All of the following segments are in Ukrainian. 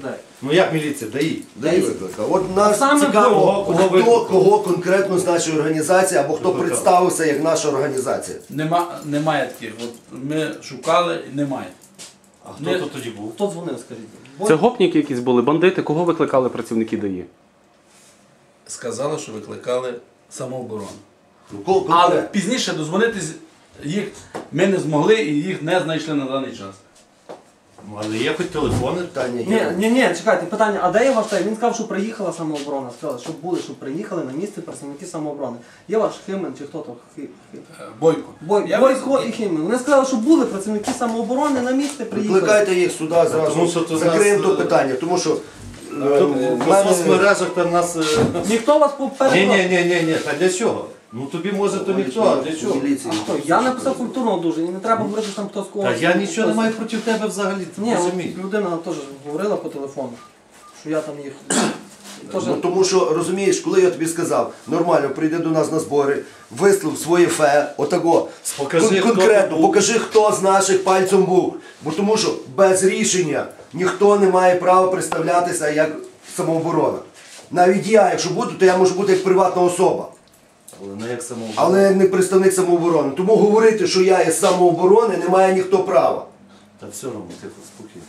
людей. Ну як міліція? ДАІ викликав. От нас цікаво, кого конкретно з нашої організації, або хто представився як наша організація. Немає таких. От ми шукали, немає. А хто тут тоді був? Хто дзвонив, скажіть? Це гопніки якісь були, бандити? Кого викликали працівники ДАІ? Сказали, що викликали самооборону. Ну, Але пізніше дозвонитись їх ми не змогли і їх не знайшли на даний час. Ну, але є хоч телефони? Ні, чекайте, питання, а де є ваш тайм? Він сказав, що приїхала самооборона. Сказали, щоб приїхали на місце працівники самооборони. Є ваш Химен чи хто там? Бойко. Бойко і Химен. Вони сказали, що були працівники самооборони на місце, приїхали. Викликайте їх сюди зразу, закриємо то питання, тому що в соцмережах там нас... Ніхто вас попередив? Ні, та для чого? Ну тобі може то ніхто, а для чого? Я написав культурно дуже, і не треба говорити там хто з кого. Та я нічого не маю проти тебе взагалі, ти розумієш. Ні, людина теж говорила по телефону, що я там їх... Ну, тому що, розумієш, коли я тобі сказав, нормально, прийди до нас на збори, вислов своє фе, отако, конкретно, покажи, хто з наших пальцем був. Бо тому що без рішення ніхто не має права представлятися як самооборона. Навіть я, якщо буду, то я можу бути як приватна особа. Але не представник самооборони. Тому говорити, що я є з самооборони, не має ніхто права. Та все одно, тихо, спокійно.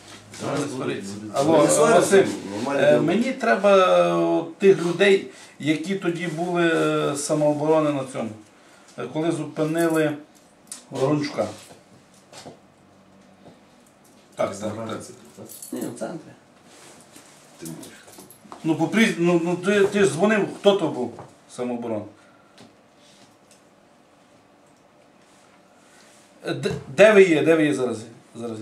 Алло, Василь, мені треба тих людей, які тоді були з самооборони на цьому, коли зупинили Ворончука. Так. Ні, в центрі. Ну, ти ж дзвонив, хто то був самооборона? Де ви є? Де ви є зараз? Зараз є.